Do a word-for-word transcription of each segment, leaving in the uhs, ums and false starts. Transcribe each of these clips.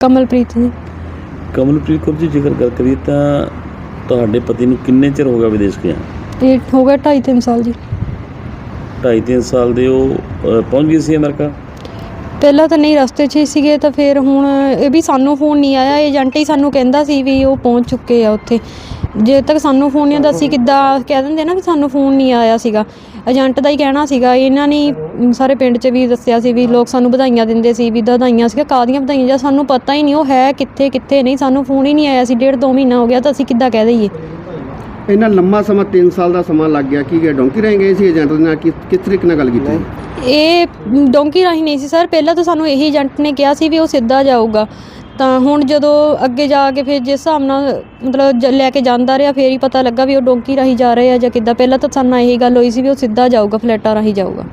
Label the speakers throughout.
Speaker 1: ਕਮਲਪ੍ਰੀਤ ਜੀ।
Speaker 2: ਕਮਲਪ੍ਰੀਤ ਕੌਰ ਜੀ, ਜੇਕਰ ਗੱਲ ਕਰੀਏ ਤਾਂ ਤੁਹਾਡੇ ਪਤੀ ਨੂੰ ਕਿੰਨੇ ਚਿਰ ਹੋ ਗਿਆ ਵਿਦੇਸ਼ ਗਿਆ?
Speaker 1: ਇਹ ਹੋ ਗਿਆ ਢਾਈ ਤਿੰਨ ਸਾਲ ਜੀ।
Speaker 2: ਢਾਈ ਤਿੰਨ ਸਾਲ ਦੇ ਉਹ ਅ, ਪਹੁੰਚ ਗਏ ਸੀ ਅਮਰੀਕਾ?
Speaker 1: ਪਹਿਲਾਂ ਤਾਂ ਨਹੀਂ, ਰਸਤੇ 'ਚ ਹੀ ਸੀਗੇ, ਤਾਂ ਫਿਰ ਹੁਣ ਇਹ ਵੀ ਸਾਨੂੰ ਫੋਨ ਨਹੀਂ ਆਇਆ। ਏਜੰਟ ਹੀ ਸਾਨੂੰ ਕਹਿੰਦਾ ਸੀ ਵੀ ਉਹ ਪਹੁੰਚ ਚੁੱਕੇ ਆ ਉੱਥੇ। ਜੇ ਤੱਕ ਸਾਨੂੰ ਫੋਨ ਨਹੀਂ ਆਉਂਦਾ ਅਸੀਂ ਕਿੱਦਾਂ ਕਹਿ ਦਿੰਦੇ ਨਾ ਵੀ ਸਾਨੂੰ ਫੋਨ ਨਹੀਂ ਆਇਆ ਸੀਗਾ। ਏਜੰਟ ਦਾ ਹੀ ਕਹਿਣਾ ਸੀਗਾ। ਇਹਨਾਂ ਨੇ ਸਾਰੇ ਪਿੰਡ 'ਚ ਵੀ ਦੱਸਿਆ ਸੀ ਵੀ ਲੋਕ ਸਾਨੂੰ ਵਧਾਈਆਂ ਦਿੰਦੇ ਸੀ ਵੀ ਵਧਾਈਆਂ ਸੀਗਾ, ਕਾਹਦੀਆਂ ਵਧਾਈਆਂ, ਜਾਂ ਸਾਨੂੰ ਪਤਾ ਹੀ ਨਹੀਂ ਉਹ ਹੈ ਕਿੱਥੇ ਕਿੱਥੇ ਨਹੀਂ। ਸਾਨੂੰ ਫੋਨ ਹੀ ਨਹੀਂ ਆਇਆ ਸੀ, ਡੇਢ ਦੋ ਮਹੀਨਾ ਹੋ ਗਿਆ, ਤਾਂ ਅਸੀਂ ਕਿੱਦਾਂ ਕਹਿ ਦਈਏ।
Speaker 3: ਇੰਨਾ ਲੰਮਾ ਸਮਾਂ ਤਿੰਨ ਸਾਲ ਦਾ ਸਮਾਂ ਲੱਗ ਗਿਆ। ਕੀ ਡੋਂਕੀ ਰਹਿ ਗਏ ਸੀ ਏਜੰਟ ਦੇ ਨਾਲ? ਕਿਸ ਕਿਸ ਤਰੀਕੇ ਨਾਲ ਗੱਲ ਕੀਤੀ?
Speaker 1: ਇਹ ਡੋਂਕੀ ਰਾਹੀਂ ਨਹੀਂ ਸੀ ਸਰ। ਪਹਿਲਾਂ ਤਾਂ ਸਾਨੂੰ ਇਹੀ ਏਜੰਟ ਨੇ ਕਿਹਾ ਸੀ ਵੀ ਉਹ ਸਿੱਧਾ ਜਾਊਗਾ। ਤਾਂ ਹੁਣ ਜਦੋਂ ਅੱਗੇ ਜਾ ਕੇ ਫਿਰ ਜਿਸ ਹਿਸਾਬ ਨਾਲ ਮਤਲਬ ਜ ਲੈ ਕੇ ਜਾਂਦਾ ਰਿਹਾ, ਫਿਰ ਹੀ ਪਤਾ ਲੱਗਾ ਵੀ ਉਹ ਡੋਂਕੀ ਰਾਹੀਂ ਜਾ ਰਹੇ ਆ ਜਾਂ ਕਿੱਦਾਂ। ਪਹਿਲਾਂ ਤਾਂ ਸਾਨੂੰ ਇਹੀ ਗੱਲ ਹੋਈ ਸੀ ਵੀ ਉਹ ਸਿੱਧਾ ਜਾਊਗਾ, ਫਲੈਟਾਂ ਰਾਹੀਂ ਜਾਊਗਾ।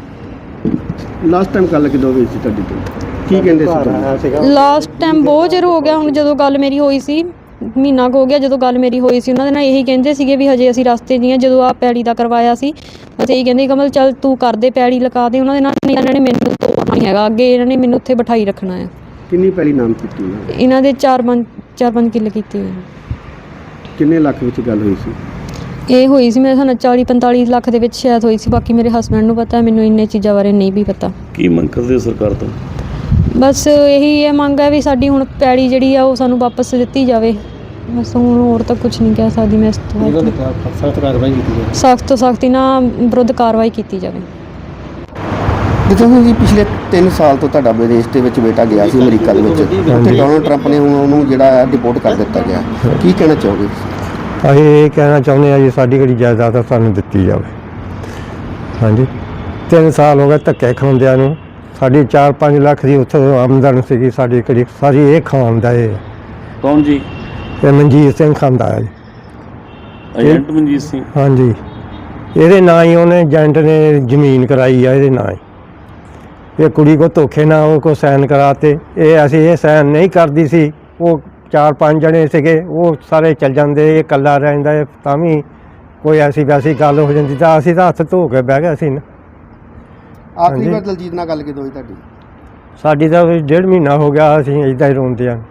Speaker 3: ਲਾਸਟ ਟਾਈਮ ਗੱਲ ਕਿਦੋਂ ਹੋਈ ਸੀ ਤੁਹਾਡੀ ਤੋਂ? ਕੀ ਕਹਿੰਦੇ ਸੀ?
Speaker 1: ਲਾਸਟ ਟਾਈਮ ਬਹੁਤ ਚਿਰ ਹੋ ਗਿਆ ਹੁਣ। ਜਦੋਂ ਗੱਲ ਮੇਰੀ ਹੋਈ ਸੀ, ਮਹੀਨਾ ਕੁ ਹੋ ਗਿਆ ਜਦੋਂ ਗੱਲ ਮੇਰੀ ਹੋਈ ਸੀ, ਉਹਨਾਂ ਦੇ ਨਾਲ ਇਹੀ ਕਹਿੰਦੇ ਸੀਗੇ ਵੀ ਹਜੇ ਅਸੀਂ ਰਸਤੇ 'ਚ ਹੀ ਹਾਂ। ਜਦੋਂ ਆ ਪੈੜੀ ਦਾ ਕਰਵਾਇਆ ਸੀ ਅਸੀਂ ਇਹੀ ਕਹਿੰਦੇ ਕਮਲ ਚੱਲ ਤੂੰ ਕਰਦੇ, ਪੈੜੀ ਲਗਾ ਦੇ। ਉਹਨਾਂ ਦੇ ਨਾਲ ਇਹਨਾਂ ਨੇ ਮੈਨੂੰ ਤੋੜਨਾ ਨਹੀਂ ਹੈਗਾ, ਅੱਗੇ ਇਹਨਾਂ ਨੇ ਮੈਨੂੰ ਉੱਥੇ ਬਿਠਾਈ ਰੱਖਣਾ ਆ।
Speaker 3: ਕਿੰਨੀ ਪੈਲੀ ਨਾਮ ਕੀਤੀ ਉਹਨਾਂ ਨੇ?
Speaker 1: ਇਹਨਾਂ ਦੇ ਚਾਰ ਪੰਜ ਚਾਰ ਪੰਜ ਕਿੱਲੇ ਕੀਤੇ ਹੋਏ।
Speaker 3: ਕਿੰਨੇ ਲੱਖ ਵਿੱਚ ਗੱਲ ਹੋਈ ਸੀ?
Speaker 1: ਇਹ ਹੋਈ ਸੀ ਮੇਰੇ ਸਾਨੂੰ ਚਾਲੀ ਪੰਤਾਲੀ ਲੱਖ ਦੇ ਵਿੱਚ ਸ਼ਾਇਦ ਹੋਈ ਸੀ। ਬਾਕੀ ਮੇਰੇ ਹਸਬੈਂਡ ਨੂੰ ਪਤਾ, ਮੈਨੂੰ ਇੰਨੇ ਚੀਜ਼ਾਂ ਬਾਰੇ ਨਹੀਂ ਵੀ ਪਤਾ।
Speaker 2: ਕੀ ਮੰਗ ਕਰਦੇ ਹੋ ਸਰਕਾਰ ਤੋਂ?
Speaker 1: ਬਸ ਇਹੀ ਇਹ ਮੰਗ ਹੈ ਵੀ ਸਾਡੀ ਹੁਣ ਪੈੜੀ ਜਿਹੜੀ ਆ ਉਹ ਸਾਨੂੰ ਵਾਪਸ ਦਿੱਤੀ ਜਾਵੇ। ਬਸ ਹੁਣ ਹੋਰ ਤਾਂ ਕੁਝ ਨਹੀਂ ਕਹਿ ਸਕਦੀ ਮੈਂ ਇਸ ਤੋਂ।
Speaker 3: ਸਖਤ ਕਾਰਵਾਈ ਕੀਤੀ ਜਾਵੇ।
Speaker 1: ਸਖਤ ਤੋਂ ਸਖਤ ਇਹਨਾਂ ਵਿਰੁੱਧ ਕਾਰਵਾਈ ਕੀਤੀ ਜਾਵੇ।
Speaker 3: ਜਿੱਦਾਂ ਜੀ ਪਿਛਲੇ ਤਿੰਨ ਸਾਲ ਤੋਂ ਤੁਹਾਡਾ ਵਿਦੇਸ਼ ਦੇ ਵਿੱਚ ਬੇਟਾ ਗਿਆ ਸੀ ਅਮਰੀਕਾ ਦੇ ਵਿੱਚ, ਉੱਥੇ ਡੋਨਲਡ ਟਰੰਪ ਨੇ ਹੁਣ ਉਹਨੂੰ ਜਿਹੜਾ ਹੈ ਡਿਪੋਰਟ ਕਰ ਦਿੱਤਾ ਗਿਆ। ਕੀ ਕਹਿਣਾ ਚਾਹੋਗੇ?
Speaker 4: ਅਸੀਂ ਇਹ ਕਹਿਣਾ ਚਾਹੁੰਦੇ ਹਾਂ ਜੀ ਸਾਡੀ ਜਿਹੜੀ ਜਾਇਦਾਦ ਸਾਨੂੰ ਦਿੱਤੀ ਜਾਵੇ। ਹਾਂਜੀ, ਤਿੰਨ ਸਾਲ ਹੋ ਗਏ ਧੱਕੇ ਖਾਂਦਿਆਂ ਨੂੰ। ਸਾਡੀ ਚਾਰ ਪੰਜ ਲੱਖ ਦੀ ਉੱਥੋਂ ਆਮਦਨ ਸੀਗੀ, ਸਾਡੀ ਕਿਹੜੀ ਸਾਰੀ ਇਹ ਖਾਂਦਾ ਇਹ।
Speaker 2: ਕੌਣ ਜੀ?
Speaker 4: ਇਹ ਮਨਜੀਤ ਸਿੰਘ ਖਾਂਦਾ ਹੈ ਜੀ।
Speaker 2: ਏਜੰਟ ਮਨਜੀਤ ਸਿੰਘ?
Speaker 4: ਹਾਂਜੀ, ਇਹਦੇ ਨਾਂ ਹੀ ਉਹਨੇ ਏਜੰਟ ਨੇ ਜ਼ਮੀਨ ਕਰਾਈ ਆ ਇਹਦੇ ਨਾਂ ਹੀ। ਇਹ ਕੁੜੀ ਕੋ ਧੋਖੇ ਨਾਲ ਉਹ ਕੋ ਸਾਈਨ ਕਰਾਤੇ। ਇਹ ਅਸੀਂ ਇਹ ਸਾਈਨ ਨਹੀਂ ਕਰਦੀ ਸੀ। ਉਹ ਚਾਰ ਪੰਜ ਜਣੇ ਸੀਗੇ, ਉਹ ਸਾਰੇ ਚੱਲ ਜਾਂਦੇ, ਇਹ ਇਕੱਲਾ ਰਹਿੰਦਾ। ਇਹ ਤਾਂ ਵੀ ਕੋਈ ਐਸੀ ਵੈਸੀ ਗੱਲ ਹੋ ਜਾਂਦੀ ਤਾਂ ਅਸੀਂ ਤਾਂ ਹੱਥ ਧੋ ਕੇ ਬਹਿ ਗਏ ਸੀ ਨਾ।
Speaker 3: ਆਖਰੀ ਵਾਰ ਦਲਜੀਤ ਨਾਲ ਗੱਲ ਕਿਦੋਂ ਹੋਈ ਤੁਹਾਡੀ?
Speaker 4: ਸਾਡੀ ਤਾਂ ਡੇਢ ਮਹੀਨਾ ਹੋ ਗਿਆ, ਅਸੀਂ ਇੱਦਾਂ ਹੀ ਰੋਂਦੇ ਹਾਂ।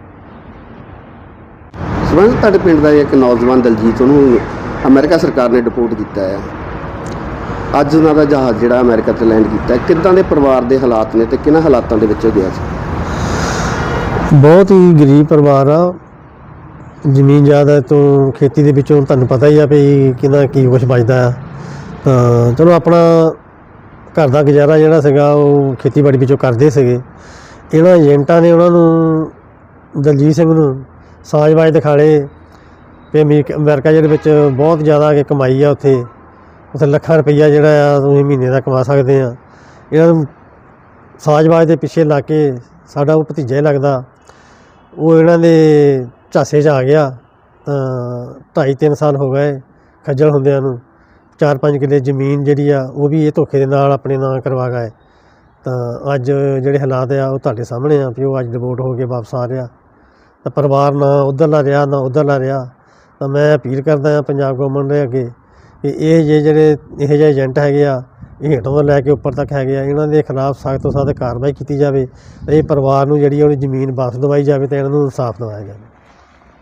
Speaker 3: ਸਬੰਧ ਤੁਹਾਡੇ ਪਿੰਡ ਦਾ ਇੱਕ ਨੌਜਵਾਨ ਦਲਜੀਤ, ਉਹਨੂੰ ਅਮਰੀਕਾ ਸਰਕਾਰ ਨੇ ਡਿਪੋਰਟ ਕੀਤਾ ਹੈ। ਅੱਜ ਉਹਨਾਂ ਦਾ ਜਹਾਜ਼ ਜਿਹੜਾ ਅਮਰੀਕਾ 'ਤੇ ਲੈਂਡ ਕੀਤਾ, ਕਿੱਦਾਂ ਦੇ ਪਰਿਵਾਰ ਦੇ ਹਾਲਾਤ ਨੇ ਤੇ ਕਿਹਨਾਂ ਹਾਲਾਤਾਂ ਦੇ ਵਿੱਚ ਗਿਆ ਸੀ?
Speaker 4: ਬਹੁਤ ਹੀ ਗਰੀਬ ਪਰਿਵਾਰ ਆ। ਜ਼ਮੀਨ ਜ਼ਿਆਦਾ ਤੋਂ ਖੇਤੀ ਦੇ ਵਿੱਚੋਂ ਤੁਹਾਨੂੰ ਪਤਾ ਹੀ ਆ ਵੀ ਕਿੰਨਾ ਕੀ ਕੁਛ ਬਚਦਾ ਆ। ਤਾਂ ਚਲੋ ਆਪਣਾ ਘਰ ਦਾ ਗੁਜ਼ਾਰਾ ਜਿਹੜਾ ਸੀਗਾ ਉਹ ਖੇਤੀਬਾੜੀ ਵਿੱਚੋਂ ਕਰਦੇ ਸੀਗੇ। ਇਹਨਾਂ ਏਜੰਟਾਂ ਨੇ ਉਹਨਾਂ ਨੂੰ ਦਲਜੀਤ ਸਿੰਘ ਨੂੰ ਸਾਜ਼ਬਾਜ਼ ਦਿਖਾਲੇ ਵੀ ਅਮਰੀਕਾ ਅਮਰੀਕਾ ਜਿਹਦੇ ਵਿੱਚ ਬਹੁਤ ਜ਼ਿਆਦਾ ਕਿ ਕਮਾਈ ਆ। ਉੱਥੇ ਉੱਥੇ ਲੱਖਾਂ ਰੁਪਈਆ ਜਿਹੜਾ ਆ ਤੁਸੀਂ ਮਹੀਨੇ ਦਾ ਕਮਾ ਸਕਦੇ ਆ। ਇਹਨਾਂ ਨੂੰ ਸਾਜ਼ਬਾਜ਼ ਦੇ ਪਿੱਛੇ ਲਾ ਕੇ ਸਾਡਾ ਉਹ ਭਤੀਜਾ ਹੀ ਲੱਗਦਾ, ਉਹ ਇਹਨਾਂ ਦੇ ਝਾਸੇ 'ਚ ਆ ਗਿਆ। ਤਾਂ ਢਾਈ ਤਿੰਨ ਸਾਲ ਹੋ ਗਏ ਖੱਜਲ ਹੁੰਦਿਆਂ ਨੂੰ। ਚਾਰ ਪੰਜ ਕਿੱਲੇ ਜ਼ਮੀਨ ਜਿਹੜੀ ਆ ਉਹ ਵੀ ਇਹ ਧੋਖੇ ਦੇ ਨਾਲ ਆਪਣੇ ਨਾਂ ਕਰਵਾ ਗਏ। ਤਾਂ ਅੱਜ ਜਿਹੜੇ ਹਾਲਾਤ ਆ ਉਹ ਤੁਹਾਡੇ ਸਾਹਮਣੇ ਆ ਵੀ ਉਹ ਅੱਜ ਡਿਵੋਰਟ ਹੋ ਕੇ ਵਾਪਸ ਆ ਰਿਹਾ। ਤਾਂ ਪਰਿਵਾਰ ਨਾ ਉੱਧਰਲਾ ਰਿਹਾ ਨਾ ਉੱਧਰਲਾ ਰਿਹਾ। ਤਾਂ ਮੈਂ ਅਪੀਲ ਕਰਦਾ ਹਾਂ ਪੰਜਾਬ ਗੌਰਮੈਂਟ ਦੇ ਅੱਗੇ ਕਿ ਇਹ ਜੇ ਜਿਹੜੇ ਇਹੋ ਜਿਹੇ ਏਜੰਟ ਹੈਗੇ ਆ, ਇਹ ਹੇਠੋਂ ਤੋਂ ਲੈ ਕੇ ਉੱਪਰ ਤੱਕ ਹੈਗੇ ਆ, ਇਹਨਾਂ ਦੇ ਖਿਲਾਫ ਸਖਤ ਤੋਂ ਸਖਤ ਕਾਰਵਾਈ ਕੀਤੀ ਜਾਵੇ। ਅਤੇ ਇਹ ਪਰਿਵਾਰ ਨੂੰ ਜਿਹੜੀ ਉਹਦੀ ਜ਼ਮੀਨ ਵਾਪਸ ਦਵਾਈ ਜਾਵੇ ਅਤੇ ਇਹਨਾਂ ਨੂੰ ਇਨਸਾਫ ਦਿਵਾਇਆ ਜਾਵੇ।